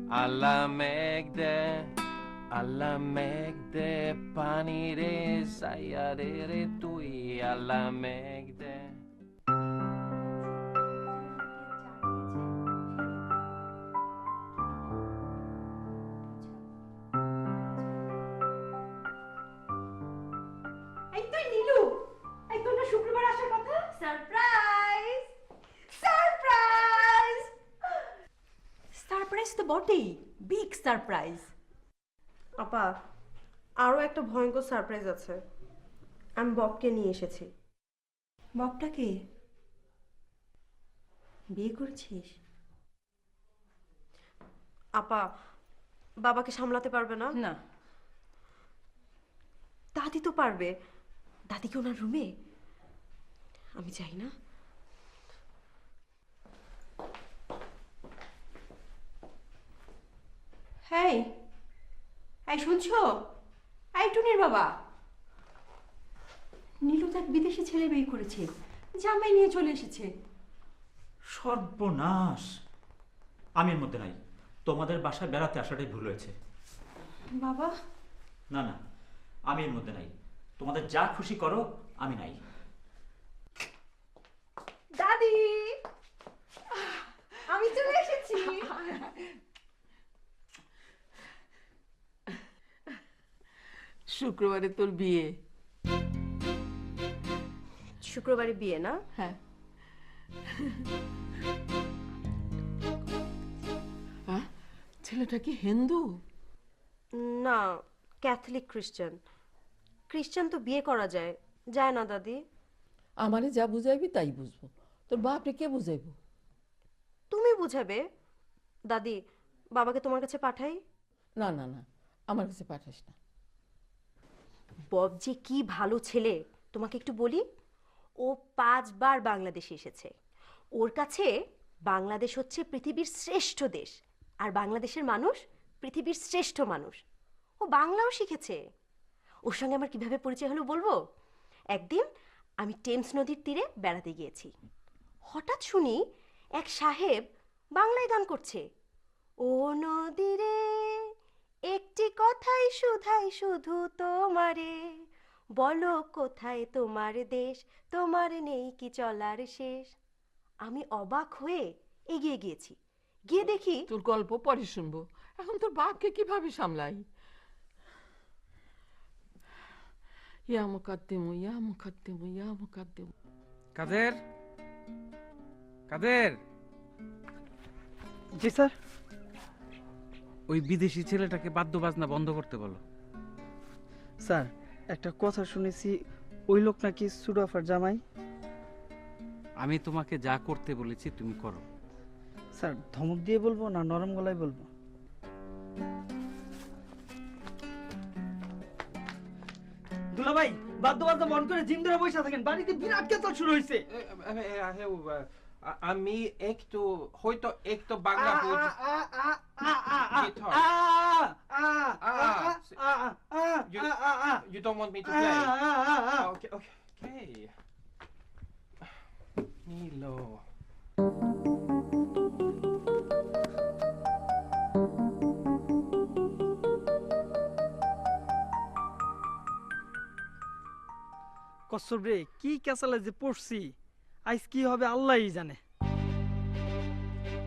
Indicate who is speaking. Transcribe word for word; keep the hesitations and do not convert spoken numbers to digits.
Speaker 1: alla মেঘ দে alla মেঘ দে পানি রে সাইয়া রে রে তুই alla মেঘ দে।
Speaker 2: এই তুই নীলু, এই তোর না শুক্রবার আসার কথা? সারপ্রাইজ সারপ্রাইজ সারপ্রাইজ তো বটেই, বিগ সারপ্রাইজ।
Speaker 3: আপা, আরো একটা ভয়ঙ্কর সারপ্রাইজ আছে। আমি ববকে নিয়ে এসেছি।
Speaker 2: ববটাকে বিয়ে করেছিস?
Speaker 3: আপা, বাবাকে সামলাতে পারবে না?
Speaker 2: না।
Speaker 3: দাদি তো পারবে। দাদি কি ওনার রুমে? আমি চাই না।
Speaker 2: হ্যাঁ, এই শুনছো? এই টুনির বাবা, নীলু তো এক বিদেশি ছেলে বিয়ে করেছে, জামাই নিয়ে চলে এসেছে।
Speaker 4: সর্বনাশ, আমি এর মধ্যে নাই। তোমাদের বাসায় বেড়াতে আসাটাই ভুল হয়েছে।
Speaker 2: বাবা,
Speaker 4: না না, আমি এর মধ্যে নাই। তোমাদের যা খুশি করো, আমি নাই।
Speaker 3: দাদি, আমি চলে এসেছি।
Speaker 5: শুক্রবারে তোর বিয়ে?
Speaker 3: শুক্রবারে বিয়ে না?
Speaker 5: হ্যাঁ। আহ, ছেলেটা কি হিন্দু?
Speaker 3: না, ক্যাথলিক খ্রিস্টান। খ্রিস্টান তো বিয়ে করা যায়, যায় না দাদি?
Speaker 5: আমারে যা বুঝাইবি তাই বুঝবো, তোর বাপরে কে বুঝাইব?
Speaker 3: তুমি বুঝাবে। দাদি, বাবাকে তোমার কাছে পাঠাই?
Speaker 5: না না না, আমার কাছে পাঠাস না।
Speaker 3: বব যে কি ভালো ছেলে, তোমাকে একটু বলি। ও পাঁচবার বাংলাদেশে এসেছে। ওর কাছে বাংলাদেশ হচ্ছে পৃথিবীর শ্রেষ্ঠ দেশ, আর বাংলাদেশের মানুষ পৃথিবীর শ্রেষ্ঠ মানুষ। ও বাংলাও শিখেছে। ওর সঙ্গে আমার কিভাবে পরিচয় হলো বলবো। একদিন আমি টেমস নদীর তীরে বেড়াতে গিয়েছি। হঠাৎ শুনি এক সাহেব বাংলায় গান করছে। ও নদীরে একটি কথাই শুধাই শুধু তোমারে, বলো কোথায় তোমার দেশ, তোমার নেই কি চলার শেষ। আমি অবাক হয়ে এগিয়ে গিয়েছি। গিয়ে দেখি
Speaker 5: তোর গল্প পরে শুনবো, এখন তোর বাপকে কিভাবে সামলাই? ইয়া মুকাদ্দিমু ইয়া মুকাদ্দিমু ইয়া মুকাদ্দিমু।
Speaker 1: কাদের কাদের
Speaker 6: জি স্যার।
Speaker 1: ওই বিদেশি ছেলেটাকে বাদ্য বাজনা বন্ধ করতে বলো।
Speaker 6: স্যার, একটা কথা শুনেছি, ওই লোক নাকি সুরাফার জামাই।
Speaker 1: আমি তোমাকে যা করতে বলেছি তুমি করো।
Speaker 6: স্যার, ধমক দিয়ে বলবো না নরম গলায় বলবো? দুলা ভাই, বাদ্য বাদ্য মন করে জিম ধরে বসে থাকেন, বাড়িতে বিরাট কেতাল শুরু হয়েছে।
Speaker 1: আমি একটু হয়তো একটু বাংলা বুঝি। You, you don't want me to play? Okay, okay, okay. Nilo.
Speaker 6: কসর রে, কি কেসালে যে পড়ছি, আজ কি হবে আল্লাহই জানে।